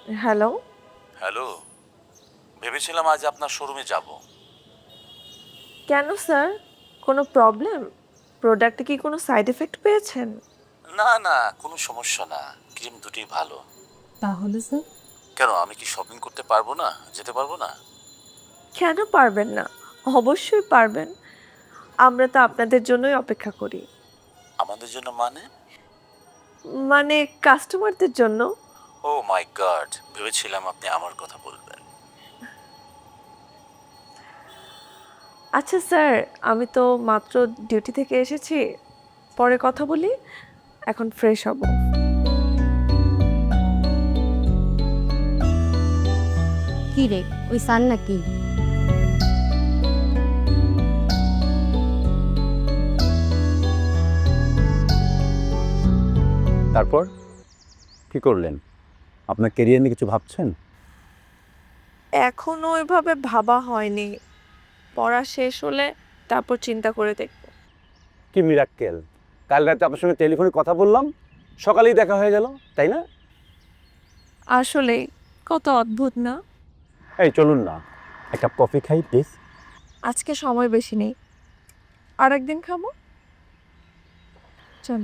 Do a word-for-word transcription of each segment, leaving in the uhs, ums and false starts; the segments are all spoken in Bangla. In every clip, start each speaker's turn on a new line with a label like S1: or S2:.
S1: হ্যালো।
S2: হ্যালো, ভেবেছিলাম আজ আপনার শোরুমে যাব।
S1: কেন স্যার? কোনো প্রবলেম? প্রোডাক্টে কি কোনো সাইড এফেক্ট পেয়েছেন?
S2: না না, কোনো সমস্যা না। ক্রিম দুটোই ভালো।
S3: তাহলে স্যার?
S2: কেন, আমি কি শপিং করতে পারবো না? যেতে পারবো না?
S1: কেন পারবেন না? অবশ্যই পারবেন। আমরা তো আপনাদের জন্যই অপেক্ষা করি।
S2: আমাদের জন্য মানে?
S1: মানে কাস্টমারদের জন্য।
S2: ও মাই গড, ভেবেছিলাম আপনি আমার কথা বলবেন।
S1: আচ্ছা স্যার, আমি তো মাত্র ডিউটি থেকে এসেছি। পরে কথা বলি। এখন ফ্রেশ হব।
S3: কি রে, ওই সান নাকি?
S4: তারপর কি করলেন? আপনার কেরিয়ার নিয়ে কিছু ভাবছেন?
S1: এখনো ওইভাবে ভাবা হয়নি। পড়া শেষ হলে তারপর চিন্তা করে দেখব।
S4: কি মিরাক্কেল! কাল রাতে আপনার সঙ্গে টেলিফোনে কথা বললাম, সকালেই দেখা হয়ে গেল, তাই না?
S1: আসলেই কত অদ্ভুত না?
S4: এই চলুন না, এক কাপ কফি খাই প্লিজ।
S1: আজকে সময় বেশি নেই, আর একদিন খাবো। চল।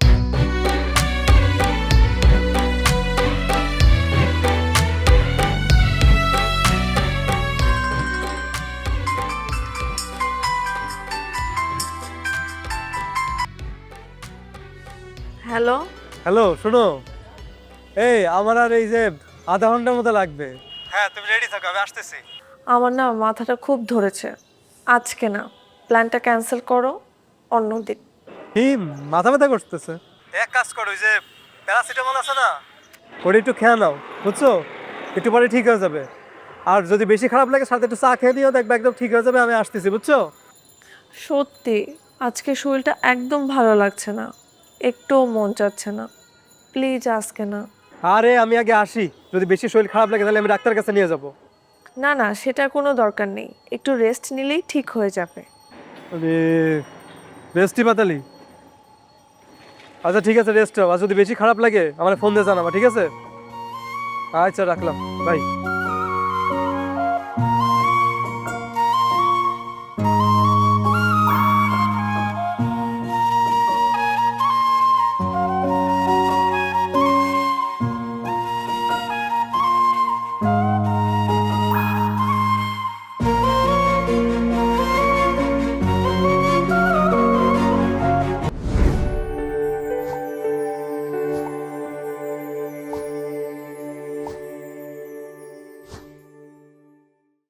S1: হ্যালো।
S5: হ্যালো, শোনো। এই আমার আর এই যে আধা ঘন্টার মতো লাগবে। হ্যাঁ, তুমি রেডি থাকো, আমি আসতেছি।
S1: আমার না মাথাটা খুব ধরেছে। আজকে না, প্ল্যানটা ক্যান্সেল করো, অন্যদিন।
S5: কি মাথা ব্যথা করতেছে? এক কাজ করো, ওই যে প্যারাসিটামল আছে না, ওটা একটু খেয়ে নাও, বুঝছো? একটু পরে ঠিক হয়ে যাবে। আর যদি বেশি খারাপ লাগে সাথে একটু চা খেয়ে নিও, দেখবে একদম ঠিক হয়ে যাবে। আমি আসতেছি, বুঝছো?
S1: সত্যি আজকে শরীরটা একদম ভালো লাগছে না, একটুও মন চাচ্ছে না। প্লিজ আজকে না।
S5: আরে আমি আগে আসি, যদি বেশি শরীর খারাপ লাগে তাহলে আমি ডাক্তারের কাছে নিয়ে যাবো।
S1: না না, সেটা কোনো দরকার নেই, একটু রেস্ট নিলেই ঠিক হয়ে যাবে।
S5: আরে রেস্টই পাতালি। আচ্ছা ঠিক আছে, রেস্ট নাও। আর যদি বেশি খারাপ লাগে আমার ফোন দিয়ে জানাবা, ঠিক আছে? আচ্ছা রাখলাম, বাই।